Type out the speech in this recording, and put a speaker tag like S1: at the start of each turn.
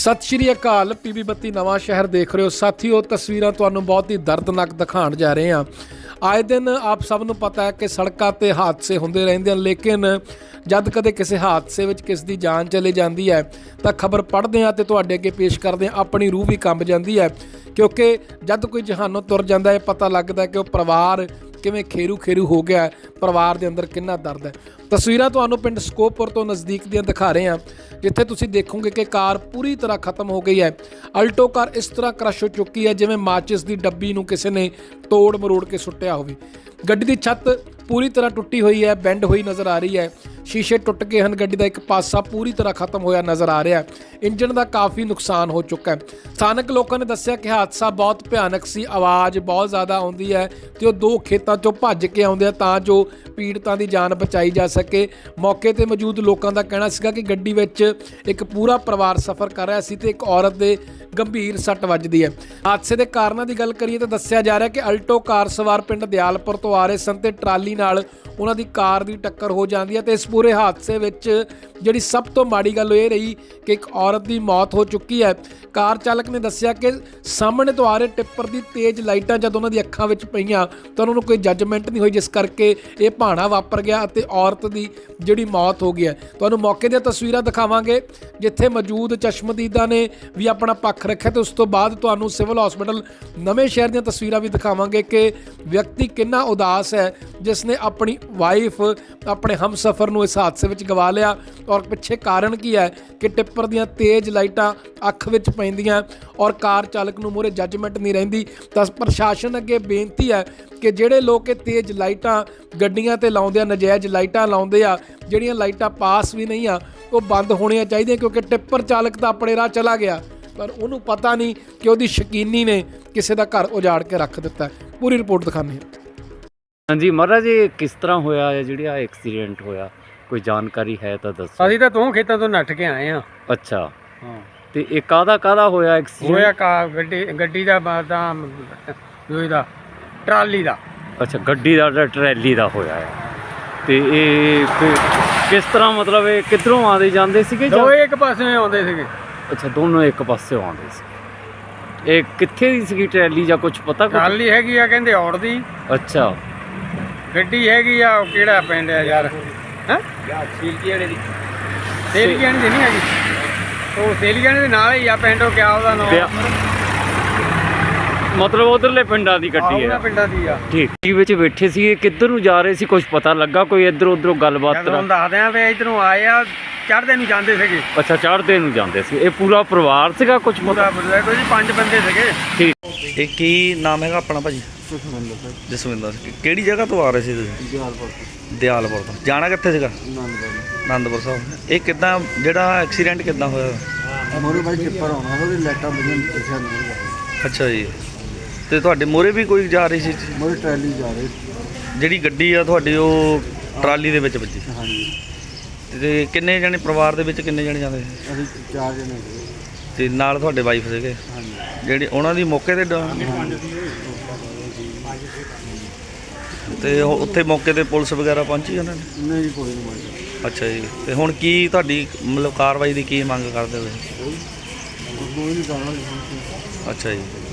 S1: सत श्री अकाल। पीबी 32 नवां शहर देख रहे हो साथियों। तस्वीरां तुहानूं बहुत ही दर्दनाक दिखाण जा रहे हैं। आए दिन आप सब नूं पता है कि सड़कों ते हादसे होंदे रहिंदे हैं, लेकिन जद कदे किसी हादसे विच किस दी जान चली जाती है तो खबर पढ़ते हैं तो तुहाडे अगे पेश करते हैं, अपनी रूह भी कंब जाती है। क्योंकि जद कोई जहानों तुर जाता है पता लगता है कि वह परिवार किवें खेरू खेरू हो गया है, परिवार के अंदर कितना दर्द है। तस्वीरां तुहानूं पिंड ਸਕੋਪਪੁਰ तो नज़दीक दियां दिखा रहे हैं, जिथे तुसीं देखोगे कि कार पूरी तरह खत्म हो गई है। अल्टो कार इस तरह क्रश हो चुकी है जिवें माचिस की डब्बी नूं किसी ने तोड़ मरोड़ के सुट्टिया होवे। गड्डी की छत पूरी तरह टुटी हुई है, बैंड हुई नज़र आ रही है। शीशे टुट गए हैं, गड्डी का एक पासा पूरी तरह खत्म होया नज़र आ रहा है। इंजन का काफ़ी नुकसान हो चुका है। स्थानक लोगों ने दस्सिया कि हादसा बहुत भयानक सी, आवाज़ बहुत ज़्यादा आउंदी है तो दो खेतों चों भज के आउंदे तां जो पीड़ितां दी जान बचाई जा सके। मौके ते मौजूद लोगों का कहना सीगा कि गड्डी विच एक पूरा परिवार सफ़र कर रहा सी ते एक औरत दे गंभीर सੱਟ ਵੱਜਦੀ है। हादसे के कारणों की गल करिए तो दस्सिया जा रहा है कि अल्टो कार सवार पिंड दयालपुर तो आ रहे सन ते ट्राली नाल उन्हां दी कार की टक्कर हो जाती है। तो इस पूरे हादसे विच जिहड़ी सब तो माड़ी गल ये रही कि एक औरत की मौत हो चुकी है। कार चालक ने दस्सिया कि सामने तो आ रहे टिप्पर की तेज़ लाइटां जब उन्हां दी अखां विच पईयां तो उन्होंने कोई जजमेंट नहीं हुई, जिस करके ये भाणा वापर गया ते औरत की जिहड़ी मौत हो गई है। तुहानूं मौके दी तस्वीरां दिखावांगे जिथे मौजूद चश्मदीदा ने भी अपना पक्ष रखा। तो उस तो बाद तुहानूं सिविल हॉस्पिटल नवें शहर दी तस्वीरां भी दिखावांगे कि व्यक्ति कितना उदास है जिसने अपनी वाइफ अपने हमसफर नूं इस हादसे विच गवा लिया। और पिछे कारण की है कि टिप्पर दियां तेज़ लाइटां अख विच पैंदियां और कार चालक नूं मूहरे जजमेंट नहीं रहिंदी। तां प्रशासन अगे बेनती है कि जिहड़े लोग तेज़ लाइटां गड्डियां ते लाउंदे आ, नजायज़ लाइटां लाउंदे आ, जिहड़ियां लाइटां पास भी नहीं आ वो बंद होणियां चाहीदियां। क्योंकि टिप्पर चालक तां अपने राह चला गया पर उन्होंने पता नहीं कि उसकी शकीनी ने किसी का घर उजाड़ के रख दिता है। पूरी रिपोर्ट दिखाने हैं।
S2: हाँ जी महाराज, ये किस तरह होया है जिहड़ा एक्सीडेंट होया, कोई जानकारी है तो दसो।
S3: ਅਸੀਂ ਤਾਂ ਤੋਂ ਖੇਤਾਂ ਤੋਂ ਨੱਠ ਕੇ ਆਏ ਆ।
S2: अच्छा,
S3: ਹਾਂ
S2: ਤੇ ਇਹ ਕਾਹਦਾ ਹੋਇਆ ਐਕਸੀਡੈਂਟ?
S3: ਹੋਇਆ ਗੱਡੀ ਦਾ ਤਾਂ ਦੋਈ ਦਾ ਟਰਾਲੀ ਦਾ।
S2: ਅੱਛਾ, ਗੱਡੀ ਦਾ ਤੇ ਟਰੈਲੀ ਦਾ ਹੋਇਆ ਹੈ। ਤੇ ਇਹ ਕਿਸ ਤਰ੍ਹਾਂ, ਮਤਲਬ ਇਹ ਕਿੱਧਰੋਂ ਆਉਂਦੇ ਜਾਂਦੇ ਸੀਗੇ ਜਾਂ?
S3: ਦੋਏ ਇੱਕ ਪਾਸੇ ਆਉਂਦੇ ਸੀਗੇ।
S2: ਅੱਛਾ, ਦੋਨੋਂ ਇੱਕ ਪਾਸੇ ਆਉਂਦੇ ਸੀ। ਇਹ ਕਿੱਥੇ ਦੀ ਸੀਗੀ ਟਰੈਲੀ ਜਾਂ ਕੁਝ ਪਤਾ?
S3: ਟਰਾਲੀ ਹੈਗੀ ਆ ਕਹਿੰਦੇ ਔੜ ਦੀ।
S2: ਅੱਛਾ,
S3: ਗੱਡੀ ਹੈਗੀ ਆ ਉਹ ਕਿਹੜਾ ਪਿੰਡ ਆ ਯਾਰ, ਹੈ ਸੇਲੀਆਣੇ ਦੀ। ਸੇਲੀਆਣੇ ਦੀ ਨਹੀਂ ਹੈਗੀ, ਉਹ ਸੇਲੀਆਣੇ ਦੇ ਨਾਲ ਹੀ ਆ ਪਿੰਡ। ਉਹ ਕਿਆ ਉਹਦਾ ਨਾਮ,
S2: ਮਤਲਬ ਉਧਰਲੇ ਪਿੰਡਾਂ ਦੀ ਗੱਡੀ
S3: ਉਹਨਾਂ
S2: ਹੈ।
S3: ਪਿੰਡਾਂ ਦੀ ਆ।
S2: ਠੀਕ, ਕੀ ਵਿੱਚ ਬੈਠੇ ਸੀ, ਕਿੱਧਰ ਨੂੰ ਜਾ ਰਹੇ ਸੀ, ਕੁਝ ਪਤਾ ਲੱਗਾ? ਕੋਈ ਇੱਧਰ ਉੱਧਰੋਂ ਗੱਲਬਾਤ?
S3: ਤੁਹਾਨੂੰ ਦੱਸਦੇ ਆ ਵੀ ਇੱਧਰੋਂ ਆਏ ਆ, ਚੜ੍ਹਦੇ ਨੂੰ ਜਾਂਦੇ ਸੀਗੇ।
S2: ਅੱਛਾ, ਚੜ੍ਹਦੇ ਨੂੰ ਜਾਂਦੇ ਸੀ। ਇਹ ਪੂਰਾ ਪਰਿਵਾਰ ਸੀਗਾ ਕੁਝ ਪਤਾ?
S3: ਪੂਰਾ ਕੋਈ 5 ਬੰਦੇ ਸੀਗੇ।
S2: ਠੀਕ।
S4: ਇਹ ਕੀ ਨਾਮ ਹੈਗਾ ਆਪਣਾ ਭਾਜੀ? ਜਸਵਿੰਦਰ ਸਿੰਘ। ਕਿਹੜੀ ਜਗ੍ਹਾ ਤੋਂ ਆ ਰਹੇ ਸੀ ਤੁਸੀਂ? ਦਿਆਲਪੁਰ ਤੋਂ। ਜਾਣਾ ਕਿੱਥੇ ਸੀਗਾ? ਆਨੰਦਪੁਰ ਸਾਹਿਬ। ਇਹ ਕਿੱਦਾਂ, ਜਿਹੜਾ ਐਕਸੀਡੈਂਟ ਕਿੱਦਾਂ ਹੋਇਆ?
S5: ਮੋਰੇ ਬਾਈ ਟਿੱਪਰ ਆਉਣਾ ਹੈ, ਉਹਦੀ ਲਾਈਟਾਂ ਬੁਝਣ ਪਿੱਛੇ ਨਹੀਂ।
S4: ਅੱਛਾ ਜੀ, ਤੇ ਤੁਹਾਡੇ ਮੋਰੇ ਵੀ ਕੋਈ ਜਾ ਰਹੀ ਸੀ?
S5: ਮੋਰੇ ਟਰੈਲੀ ਜਾ ਰਹੀ ਸੀ।
S4: ਜਿਹੜੀ ਗੱਡੀ ਆ ਤੁਹਾਡੀ ਉਹ ਟਰਾਲੀ ਦੇ ਵਿੱਚ ਵੱਜੀ?
S5: ਹਾਂਜੀ।
S4: ਤੇ ਕਿੰਨੇ ਜਣੇ ਪਰਿਵਾਰ ਦੇ ਵਿੱਚ, ਕਿੰਨੇ ਜਣੇ ਜਾਂਦੇ ਸੀ?
S5: ਅਸੀਂ 4 ਜਣੇ ਸੀਗੇ।
S4: ਤੇ ਨਾਲ ਤੁਹਾਡੇ ਵਾਈਫ ਸੀਗੇ?
S5: ਹਾਂਜੀ।
S4: ਜਿਹੜੀ ਉਹਨਾਂ ਦੀ ਮੌਕੇ ਤੇ ਤੇ ਉੱਥੇ ਮੌਕੇ ਤੇ ਪੁਲਿਸ ਵਗੈਰਾ ਪਹੁੰਚੀ ਉਹਨਾਂ ਨੇ?
S5: ਨਹੀਂ ਜੀ, ਕੋਈ ਨਹੀਂ ਮਾਰਿਆ।
S4: ਅੱਛਾ ਜੀ, ਤੇ ਹੁਣ ਕੀ ਤੁਹਾਡੀ ਮਤਲਬ ਕਾਰਵਾਈ ਦੀ ਕੀ ਮੰਗ ਕਰਦੇ ਹੋ?
S5: ਕੋਈ ਨਹੀਂ ਕਰਨਾ।
S4: ਅੱਛਾ ਜੀ।